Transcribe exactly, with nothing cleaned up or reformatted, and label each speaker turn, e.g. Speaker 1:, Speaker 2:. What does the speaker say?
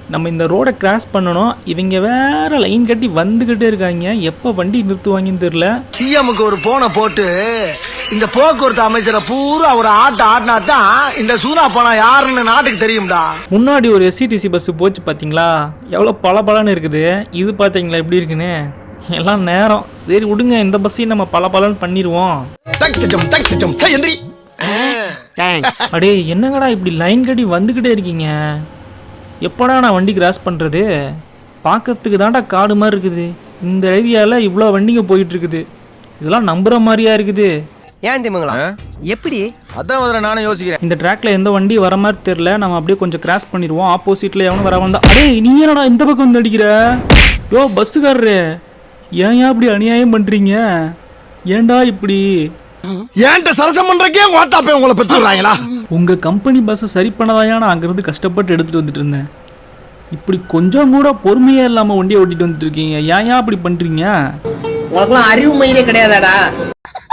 Speaker 1: நம்ம இந்த ரோடை கிராஸ் பண்ணணும். இவங்க வேற லைன் கட்டி வந்துகிட்டே இருக்காங்க. எப்போ வண்டி நிறுத்துவாங்கன்னு தெரியல.
Speaker 2: சிஎம்க்கு ஒரு போனை போட்டு இந்த போக்குவரத்து அமைச்சரை பூரா ஒரு ஆட்ட ஆட்டினா தான் இந்த சூனா போனா யாருன்னு நாட்டுக்கு தெரியும்டா.
Speaker 1: முன்னாடி ஒரு எஸ்சிடிசி பஸ் போச்சு பார்த்தீங்களா, எவ்வளோ பளபளன்னு இருக்குது. இது பார்த்தீங்களா எப்படி இருக்குன்னு. எல்லாம் நேரம். சரி விடுங்க, இந்த பஸ்ஸையும் நம்ம பளபளன்னு பண்ணிடுவோம். அடே என்னங்கடா இப்படி லைன் கட்டி வந்துக்கிட்டே இருக்கீங்க? எப்படா நான் வண்டி கிராஸ் பண்ணுறது? பார்க்கறதுக்கு தான்டா காடு மாதிரி இருக்குது. இந்த ஏரியாவில் இவ்வளோ வண்டிங்க போயிட்டு இருக்குது. இதெல்லாம் நம்புற மாதிரியா இருக்குது.
Speaker 3: ஏன் தெரியுங்களா எப்படி?
Speaker 4: அதான் முதல்ல நானும் யோசிக்கிறேன்.
Speaker 1: இந்த ட்ராக்ல எந்த வண்டி வர மாதிரி தெரியல. நம்ம அப்படியே கொஞ்சம் கிராஸ் பண்ணிடுவோம். ஆப்போசிட்ல எவனும் வர வந்தா. அடே நீ என்னடா இந்த பக்கம் வந்து அடிக்கிற? யோ பஸ்ஸுக்காரரு, ஏன் இப்படி அநியாயம் பண்றீங்க? ஏன்டா இப்படி?
Speaker 4: ஏன்ட்ட சரசம் பண்றக்கே ஓட்டாப்பே உங்களை பெற்றுறாங்களா?
Speaker 1: உங்க கம்பெனி பஸ்ஸை சரி பண்ணதாயா நான் அங்கிருந்து கஷ்டப்பட்டு எடுத்துட்டு வந்துட்டு இருந்தேன். இப்படி கொஞ்சம் கூட பொறுமையே இல்லாம வண்டியை ஓட்டிட்டு வந்துட்டு இருக்கீங்க. ஏன் ஏன் அப்படி பண்றீங்க?
Speaker 3: உனக்குலாம் அறிவு மயிலே கிடையாதாடா?